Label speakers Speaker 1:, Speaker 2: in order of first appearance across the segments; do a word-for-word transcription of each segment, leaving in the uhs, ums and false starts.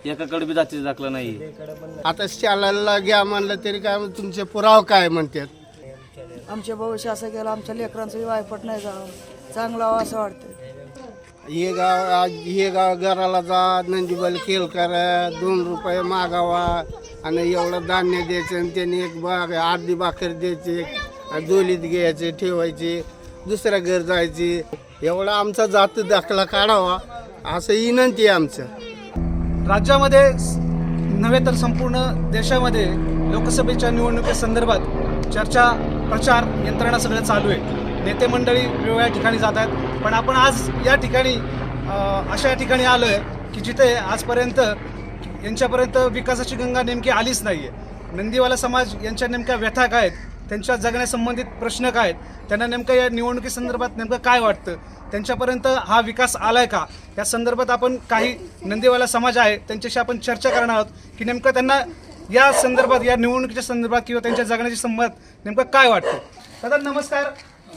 Speaker 1: एकाकडे बी जातीचा दाखला नाही.
Speaker 2: आता शाळेला घ्या म्हणलं तरी काय तुमचे पुरावा काय म्हणतात.
Speaker 3: आमच्या भविष्य असं केलं आमच्या लेकरांचं वायपट नाही जावं चांगलं व्हावं असं वाटतं.
Speaker 2: हे गाव आज हे गाव घराला जा नंदीबाई खेळ करा दोन रुपये मागावा आणि एवढं धान्य द्यायचं आणि त्याने एक बाग अर्धी भाकर द्यायची दोलीत घ्यायचे ठेवायचे दुसऱ्या घर जायचे एवढा आमचा जात दाखला काढावा असं विनंती आहे आमचं.
Speaker 4: राज्यामध्ये नव्हे तर संपूर्ण देशामध्ये लोकसभेच्या निवडणुकीसंदर्भात चर्चा प्रचार यंत्रणा सगळं चालू आहे. नेते मंडळी वेगवेगळ्या ठिकाणी जात आहेत, पण आपण आज या ठिकाणी अशा ठिकाणी आलो आहे की जिथे आजपर्यंत यांच्यापर्यंत विकासाची गंगा नेमकी आलीच नाही आहे. नंदीवाला समाज यांच्या नेमक्या व्यथा काय आहेत, त्यांच्या जगण्यासंबंधित प्रश्न काय आहेत, त्यांना नेमकं या निवडणुकीसंदर्भात नेमकं काय वाटतं, त्यांच्यापर्यंत हा विकास आलाय का, या संदर्भात आपण काही नंदीवाला समाज आहे त्यांच्याशी आपण चर्चा करणार आहोत की नेमकं त्यांना या संदर्भात या निवडणुकीच्या संदर्भात किंवा त्यांच्या जगण्याच्या संदर्भात नेमकं काय वाटतं. दादा नमस्कार.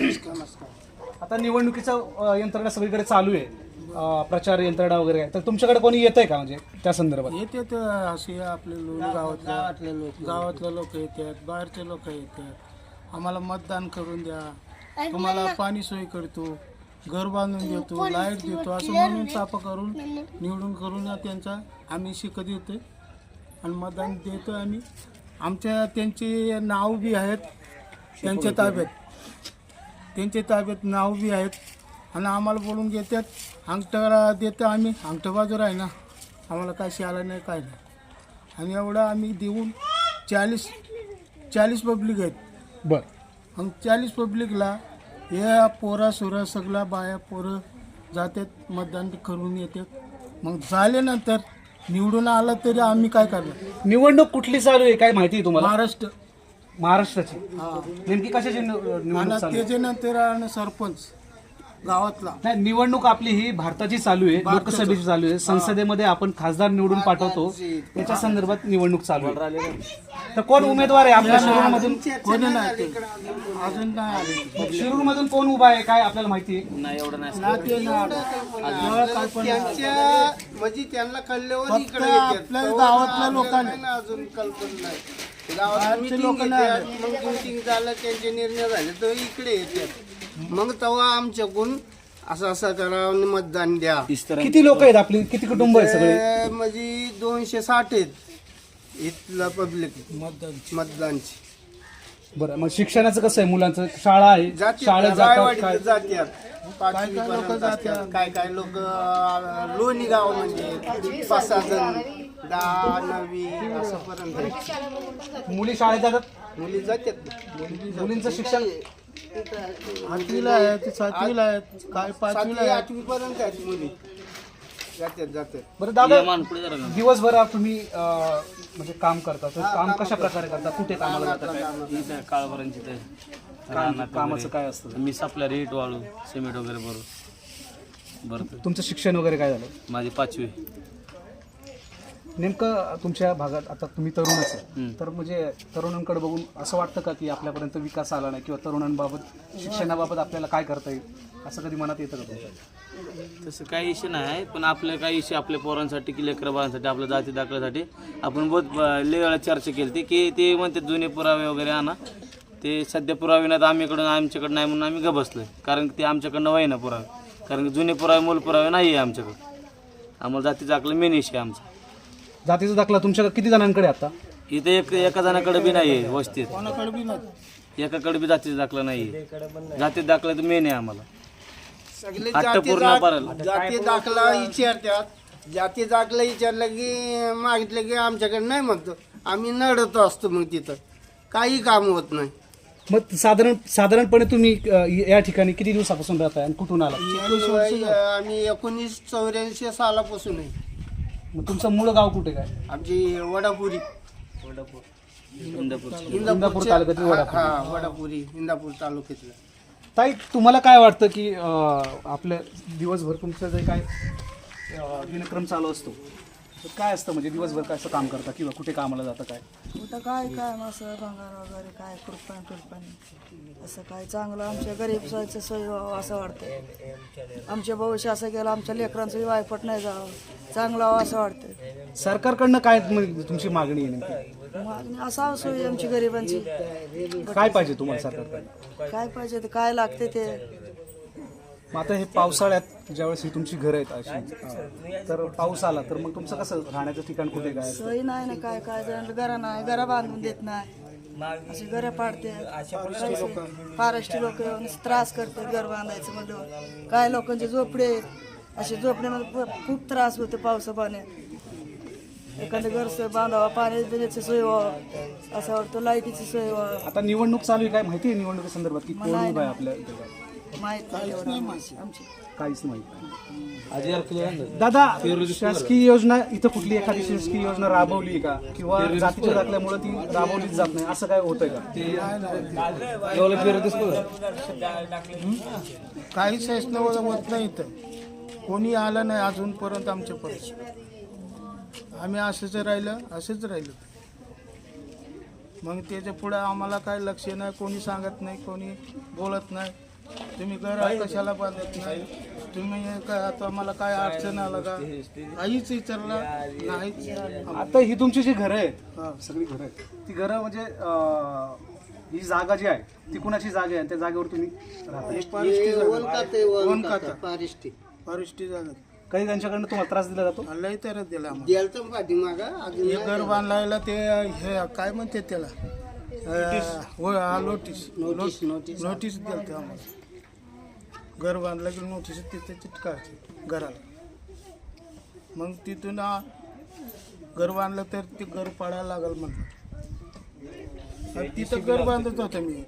Speaker 4: आता निवडणुकीचं यंत्रणा सगळीकडे चालू आहे, प्रचार यंत्रणा वगैरे आहे, तर तुमच्याकडे कोणी येत आहे का म्हणजे त्या संदर्भात?
Speaker 5: येते तर असे आपले लोक गावातले लोक गावातले लोक येतात, बाहेरचे लोक येतात, आम्हाला मतदान करून द्या, तुम्हाला पाणी सोय करतो, घर बांधून देतो, लाईट देतो असं म्हणून चापा करून निवडून करून त्यांचा आम्ही शिकत येतो आणि मतदान देतो. आम्ही आमच्या त्यांचे नाव बी आहेत त्यांच्या ताब्यात त्यांच्या ताब्यात नाव बी आहेत आणि आम्हाला बोलून घेतात. अंगठा देतो आम्ही, अंगठा बाजूला आहे ना, आम्हाला काय शिकायला नाही काय नाही आणि एवढं आम्ही देऊन चाळीस चाळीस पब्लिक आहेत.
Speaker 4: बरं.
Speaker 5: मग चाळीस पब्लिकला या पोरा सोरा सगळा बाया पोरं जातात मतदान करून येतात. मग झाल्यानंतर निवडून आलं तरी आम्ही काय करणार.
Speaker 4: निवडणूक कुठली चालू आहे काय माहिती आहे तुम्हाला?
Speaker 5: महाराष्ट्र
Speaker 4: महाराष्ट्राची. नेमकी कशाची निवडणूक
Speaker 5: आणि
Speaker 4: चालू आहे?
Speaker 5: त्याच्यानंतर आणि सरपंच गावातला
Speaker 4: नाही, निवडणूक आपली ही भारताची चालू आहे, लोकसभेची चालू आहे, संसदेमध्ये आपण खासदार निवडून पाठवतो, त्याच्या संदर्भात निवडणूक चालू आहे. तर कोण उमेदवार आहे आपल्या शिरूरमधून?
Speaker 5: कोणी नाही अजून नाही आले.
Speaker 4: शिरूरमधून कोण उभा आहे काय आपल्याला माहिती आहे?
Speaker 1: नाही एवढं नाही.
Speaker 5: ना ते ना काय पण
Speaker 2: त्यांच्या म्हणजे त्यांना कळल्यावर
Speaker 5: फक्त
Speaker 2: इकडे येतात.
Speaker 5: आपल्या गावातल्या लोकांना
Speaker 2: नाही ना अजून कल्पना नाही. गावात
Speaker 5: बाहेरचे
Speaker 2: meeting
Speaker 5: लोक नाही
Speaker 2: घेतात,
Speaker 5: आले.
Speaker 2: मग मीटिंग झालं त्यांचे निर्णय झाले तर इकडे येतात. मग तेव्हा आमच्याकडून असं असं करा आणि मतदान द्या.
Speaker 4: किती लोक आहेत आपली, किती कुटुंब आहेत सगळे?
Speaker 2: ते म्हणजे दोनशे साठ आहेत इथला पब्लिक
Speaker 5: मतदान
Speaker 2: मतदानची.
Speaker 4: बरं, मग शिक्षणाचं कसं आहे मुलांचं? शाळा आहे,
Speaker 2: जाती
Speaker 4: शाळेत जातात
Speaker 2: रायवाडीत
Speaker 4: काय?
Speaker 2: जात्यात पाचवी पर्यंत असतात. काय काय लोक लोणी गाव म्हणजे पाच सहा जण दहा नववी असं पर्यंत आहेत.
Speaker 4: मुली शाळेत जातात,
Speaker 2: मुली जातात.
Speaker 4: मुलींचं शिक्षण
Speaker 5: आठवीला आहेत, सातवीला आहेत, काय पाचवीला
Speaker 2: सातवी
Speaker 5: आहेत.
Speaker 2: आठवी पर्यंत आहेत मुली जातात जातात.
Speaker 4: बरं दादा,
Speaker 1: मान पुढे जरा.
Speaker 4: दिवसभर तुम्ही अं, म्हणजे काम करता, तर काम कशा प्रकारे करता, कुठे कामाला जाता काय?
Speaker 1: इथं काळभरांची ते
Speaker 4: काम- कामाचं काय असतं?
Speaker 1: मी सापल्या रेट वाळू सिमेंट वगैरे भरू भरतो.
Speaker 4: तुमचं शिक्षण वगैरे काय झालं?
Speaker 1: माझी पाचवी.
Speaker 4: नेमकं तुमच्या भागात आता तुम्ही तरुणच आहे,
Speaker 1: हं.
Speaker 4: तर म्हणजे तरुणांकडे बघून असं वाटतं का की आपल्यापर्यंत विकास आला नाही किंवा तरुणांबाबत शिक्षणाबाबत आपल्याला काय करता येईल असं कधी मनात येतं का तुमच्या?
Speaker 1: तसं काही इश्यू नाही, पण आपलं काही इश्यू आपल्या पोरांसाठी की लेकराबाळांसाठी आपल्या जाती दाखल्यासाठी आपण बहुत लय वेळा चर्चा केली ती की ते म्हणते जुने पुरावे वगैरे आणा. ते सध्या पुरावे नाहीत आम्हीकडून आमच्याकडं नाही म्हणून आम्ही ग बसलोय, कारण ते आमच्याकडनं व्हाय ना पुरावे, कारण की जुने पुरावे मूल पुरावे नाही आहे आमच्याकडं. आम्हाला जाती दाखलं मेन इश्यू आहे आमचा.
Speaker 4: जातीचा दाखला तुमच्याकडे किती जणांकडे आता?
Speaker 1: इथे एक एका जणाकडे बी नाही आहे वस्तीत,
Speaker 5: कोणाकडे बी नाही.
Speaker 1: एकाकडे बी जातीचा दाखला नाही आहे. जाती दाखला तर मेन आहे आम्हाला.
Speaker 2: सगळे
Speaker 1: हट्ट
Speaker 2: जाती
Speaker 1: पूर्ण
Speaker 2: दाख-
Speaker 1: पाडायला.
Speaker 2: जाती दाखला विचारतात. जाती दाखला विचारलं की मागितलं की आमच्याकडे नाही म्हणतो. आम्ही नडतो असतो मग तिथं काही काम होत नाही.
Speaker 4: मग साधारण साधारणपणे तुम्ही अ, या ठिकाणी किती दिवसापासून राहताय आणि कुठून आला?
Speaker 2: आम्ही एकोणीस चौऱ्याऐंशी सालापासून आहे.
Speaker 4: मग तुमचं मूळ गाव कुठे काय?
Speaker 2: आमची वडापुरी
Speaker 1: इंदापूर.
Speaker 4: इंदापूर तालुक्यातील वडापुरी.
Speaker 2: हा वडापुरी इंदापूर तालुक्यातलं.
Speaker 4: ताई, तुम्हाला काय वाटतं की अ, आपल्या दिवसभर तुमचं जे काय अ, दिनक्रम चालू असतो तर काय असतं म्हणजे दिवसभर काय असं काम करता किंवा कुठे कामाला जातं काय?
Speaker 3: कुठं काय काय असं भंगार वगैरे काय कुरपान टुरपान असं काय चांगलं आमच्या गरीब सोयीचं सोय व्हावं असं वाटतं. आमच्या भविष्य असं गेलं आमच्या लेकरांचं वायपट नाही जावं चांगलं व्हावं असं वाटतं.
Speaker 4: सरकारकडनं काय म्हणजे तुमची मागणी आहे नेमकी?
Speaker 3: मागणी असावं सोय आमची गरिबांची.
Speaker 4: काय पाहिजे तुम्हाला सरकारकडनं?
Speaker 3: काय पाहिजे ते काय लागते ते.
Speaker 4: मग आता हे पावसाळ्यात ज्यावेळेस ही तुमची घरं आहेत अशी तर पाऊस आला तर मग तुमचं कसं राहण्याचं ठिकाण कुठे काय?
Speaker 3: सोय नाही ना काय काय जण घरा नाही घरा बांधून देत नाही अशी घरं पाडते. फॉरेस्टची लोक येऊन त्रास करते घर बांधायचं म्हणलं. काय लोकांचे झोपडे असे झोपड्यामध्ये खूप त्रास होते पावसा पाण्यात. एखादं घर बांधावा पाणी देण्याची सोय व्हावं असं वाटतं. लाईटीची सोय व्हावं.
Speaker 4: आता निवडणूक चालू आहे काय माहिती आहे निवडणुकीसंदर्भात की कोण उभा आहे आपल्या इथे?
Speaker 3: माहित नाही एवढं आमची.
Speaker 4: काहीच माहित नाही. दादा शासकीय योजना इथं कुठली एखादी शासकीय योजना राबवली आहे का किंवा जातीच्या दाखल्यामुळे ती राबवलीच जात नाही असं काय होतंय का?
Speaker 5: काही शासन होत नाही इथं. कोणी आलं नाही अजूनपर्यंत आमच्यापर्यंत. आम्ही असंच राहिलं असंच राहिलं. मग त्याच्या पुढे आम्हाला काय लक्ष नाही. कोणी सांगत नाही कोणी बोलत नाही. तुम्ही घर कशाला बांधत नाही. तुम्ही काय आता मला काय अडचण आलं का काहीच विचारलं नाहीच.
Speaker 4: आता ही तुमची जी घरं आहेत सगळी घरं आहेत ती घरं म्हणजे अं, ही जागा जी आहे ती कुणाची जागा आहे त्या जागेवर तुम्ही राहता?
Speaker 5: वन खाता फॉरेस्टची जागा.
Speaker 4: काही त्यांच्याकडनं तुम्हाला त्रास दिला जातो?
Speaker 5: लई तर दिला हे घर बांधायला ते हे काय म्हणते त्याला नोटीस नोटीस नोटीस दिलते आम्हाला. घर बांधलं की नोटीस तिथे चिटकायची घराला. मग तिथून आ, घर बांधलं तर ते घर पाडायला लागल म्हणलं. आणि तिथं घर बांधत होतं मी.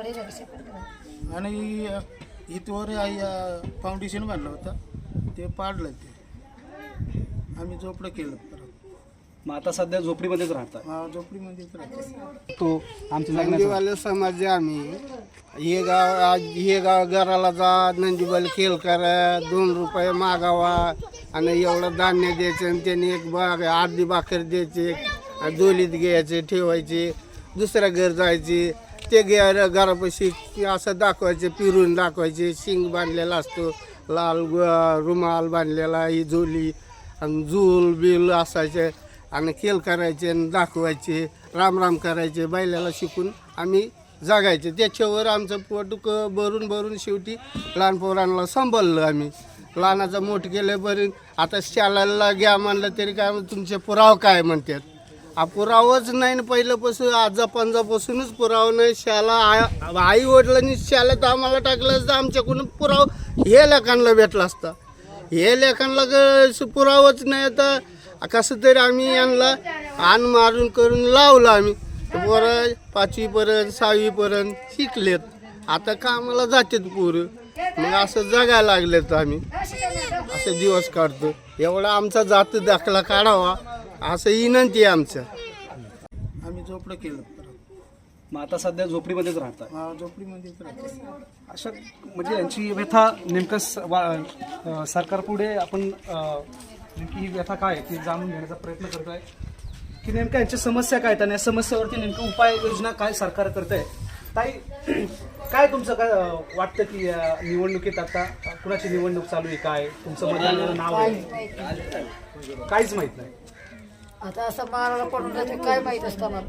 Speaker 5: आणि इथवर फाउंडेशन बांधलं होतं ते पाडलं. ते आम्ही झोपडं केलं परत.
Speaker 4: मग आता सध्या झोपडीमध्येच राहता?
Speaker 5: हा झोपडीमध्येच राहतो.
Speaker 4: तो आमच्या जगण्याचा
Speaker 2: नंदीवाले समाज आहे आम्ही. हे गाव आज हे गाव घराला जा नंदीबाल खेळ करा दोन रुपये मागावा आणि एवढं धान्य द्यायचं आणि त्यांनी एक बाग अर्धी भाकर द्यायची दोलीत घ्यायचे ठेवायचे दुसऱ्या घर जायचे ते घ्या घरापाशी असं दाखवायचे फिरून दाखवायचे. शिंग बांधलेला असतो लाल रुमाल बांधलेला ही झोली आणि झूल बिल असायचे आणि खेळ करायचे आणि दाखवायचे राम राम करायचे. बैलाला शिकून आम्ही जागायचे. त्याच्यावर आमचं पोट क भरून भरून शेवटी लहान पोरांना सांभाळलं आम्ही. लहानाचं मोठं केलं बरं. आता शाळेला घ्या म्हणलं तरी काय तुमचे पुरावा काय म्हणतात. हा पुरावाच नाही ना पहिल्यापासून आजा पंजापासूनच पुरावा नाही. शाळा आई वडिलांनी शाळेत आम्हाला टाकलं असतं आमच्याकडून पुरावा हे लेखांना भेटला असता. हे लेखांना पुरावाच नाही. तर कसं तरी आम्ही यांना आण मारून करून लावलं. आम्ही पोरं पाचवीपर्यंत सहावीपर्यंत शिकलेत. आता कामाला जातात पोरं. मग असं जगायला लागलेत. आम्ही असे दिवस काढतो. एवढा आमचा जात दाखला काढावा असं विनंती आहे आमचं.
Speaker 5: आम्ही झोपडं केलं परत.
Speaker 4: मग आता सध्या झोपडीमध्येच राहता?
Speaker 5: हा झोपडीमध्येच राहतो.
Speaker 4: अशा म्हणजे यांची व्यथा नेमकं स- वा- अं, सरकारपुढे आपण अं, नेमकी ही व्यथा काय आहे ती जाणून घेण्याचा प्रयत्न करतोय की नेमक्या यांच्या समस्या काय आहेत आणि या समस्यावरती नेमकं उपाययोजना काय सरकार करत आहे. ताई काय तुमचं काय अं, वाटतं की अं, निवडणुकीत आता कुणाची निवडणूक चालू आहे काय तुमचं मतदानाचं नाव आहे? काहीच माहित नाही.
Speaker 6: आता असं मारायला पडून जाते काय माहित असतं मला.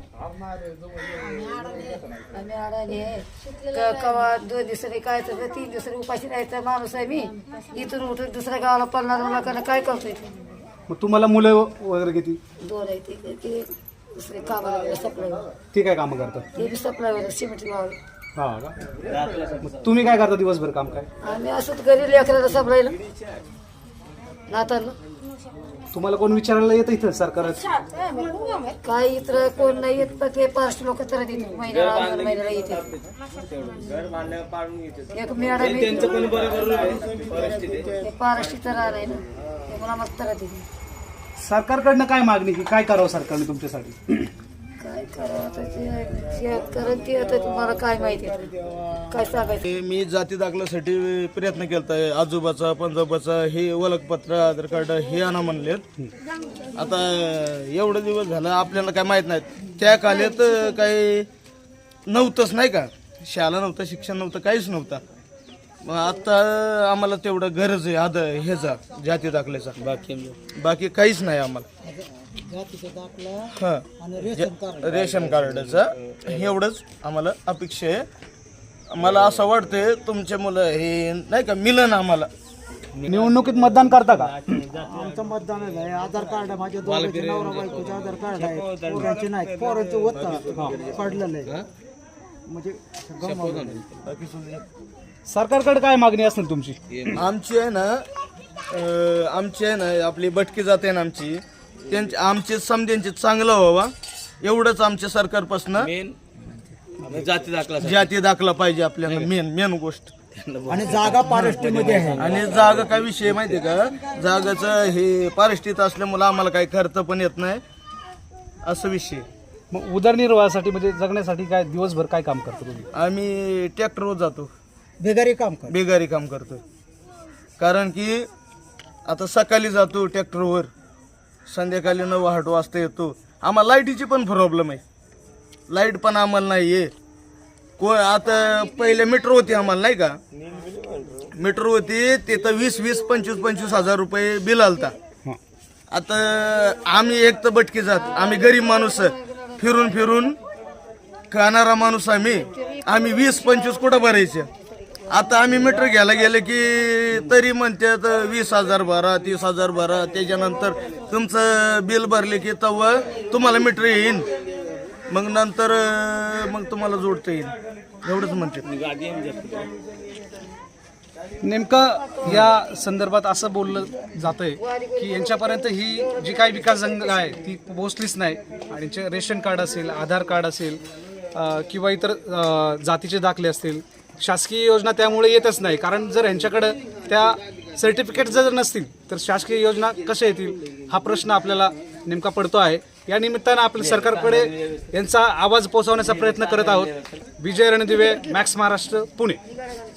Speaker 6: आम्ही अडाणी आहे क- कवा दोन दिवसांनी काय तर तीन दिवसांनी उपाशी राहायचा माणूस आहे मी. इथून उठून दुसऱ्या गावाला पडणार मला कारण काय करतोय ते.
Speaker 4: मग तुम्हाला मुलं वगैरे किती?
Speaker 6: दोन आहे ते ते दुसरे कामाला गेले सप्लाय
Speaker 4: ते काय कामं करतात?
Speaker 6: ते बी सप्लाय होतं सिमेंट गावाला.
Speaker 4: हा का? मग तुम्ही काय करता दिवसभर काम काय?
Speaker 6: आम्ही असंच घरी लेकराला सप्लायला नाताला
Speaker 4: तुम्हाला कोण विचारायला येतं इथं सरकार?
Speaker 6: काय इतर कोण नाही येत पण ते पाच लोक तर येतात महिन्याला दोन महिन्याला येते. एक मॅडम पारशी तर आहे ना ते मला मग तर देते.
Speaker 4: सरकारकडनं काय मागणी की काय करावं सरकारने तुमच्यासाठी?
Speaker 6: काय काय करावं आता जे जे करत ते आता तुम्हाला काय माहिती आहे? काय सांगायचं?
Speaker 7: मी जाती दाखल्यासाठी प्रयत्न केला आजोबाचा पंजोबाचा हे ओळखपत्र आधार कार्ड हे आणा म्हणलेत. आता एवढं दिवस झालं आपल्याला काय माहीत नाही. त्या काळात काही नव्हतंच नाही का, शाळा नव्हतं, शिक्षण नव्हतं, काहीच नव्हतं. मग आता आम्हाला तेवढं गरज आहे आद ह्याचा जाती दाखल्याचा,
Speaker 1: बाकी
Speaker 7: बाकी काहीच नाही आम्हाला. हां रेशन कार्डाचं एवढंच आम्हाला अपेक्षा आहे. मला असं वाटतंय तुमचे मुलं हे नाही का मिलन आम्हाला.
Speaker 4: निवडणुकीत मतदान करता का?
Speaker 8: आमचं मतदान आहे. आधार कार्ड आहे माझ्या दोघांचे, नवरा बायकोचे आधार कार्ड आहे. पोरांचे नाही, पोरांचं होतं पडलेलं आहे. म्हणजे
Speaker 4: सरकारकडे काय मागणी असेल तुमची?
Speaker 7: आमची आहे ना अं, आमची आहे ना आपली भटकी जाते ना आमची, त्यांची आमचे समध्यांचे चांगलं व्हावा एवढंच आमच्या सरकारपासून
Speaker 1: मेन जाती दाखला
Speaker 7: जाती दाखला पाहिजे आपल्याला. मेन मेन गोष्ट.
Speaker 8: आणि जागा पारष्टीमध्ये आहे.
Speaker 7: आणि जागा काय विषय माहिती का, जागाचं हे पारिस्थित असल्यामुळं आम्हाला काही खर्च पण येत नाही असं विषय.
Speaker 4: मग उदरनिर्वाहासाठी म्हणजे जगण्यासाठी काय दिवसभर काय काम करतो तुम्ही?
Speaker 7: आम्ही ट्रॅक्टरवर जातो,
Speaker 8: बेगारी काम कर.
Speaker 7: बेगारी काम करतो. कारण की आता सकाळी जातो ट्रॅक्टरवर, संध्याकाळी नऊ आठ वाजता येतो. आम्हाला लाईटीची पण प्रॉब्लेम आहे, लाईट पण आम्हाला नाही आहे. को आता पहिले मीटर होती आम्हाला नाही का, मीटर होती ते तर वीस वीस पंचवीस पंचवीस हजार रुपये बिल आलता. आता आम्ही एक तर भटकी जात, आम्ही गरीब माणूस फिरून फिरून खाणारा माणूस आम्ही आम्ही वीस पंचवीस कुठं भरायचे. आता आम्ही मीटर घ्यायला गेले की तरी म्हणतात वीस हजार भरा, तीस हजार भरा. त्याच्यानंतर तुमचं बिल भरले की तेव्हा तुम्हाला मीटर येईन, मग नंतर मग तुम्हाला जोडता येईल एवढंच म्हणते.
Speaker 4: नेमकं या संदर्भात असं बोललं जातंय की यांच्यापर्यंत ही जी काही विकास जंग आहे ती पोहोचलीच नाही. आणि यांचे रेशन कार्ड असेल, आधार कार्ड असेल अ, किंवा इतर अ, जातीचे दाखले असतील, शासकीय योजना त्यामुळे येतच नाही. कारण जर यांच्याकडं त्या सर्टिफिकेट जर नसतील तर शासकीय योजना कशा येतील हा प्रश्न आपल्याला नेमका पडतो आहे. या निमित्तानं आपल्या सरकारकडे यांचा आवाज पोहोचवण्याचा प्रयत्न करत आहोत. विजय रणदिवे, मॅक्स महाराष्ट्र, पुणे.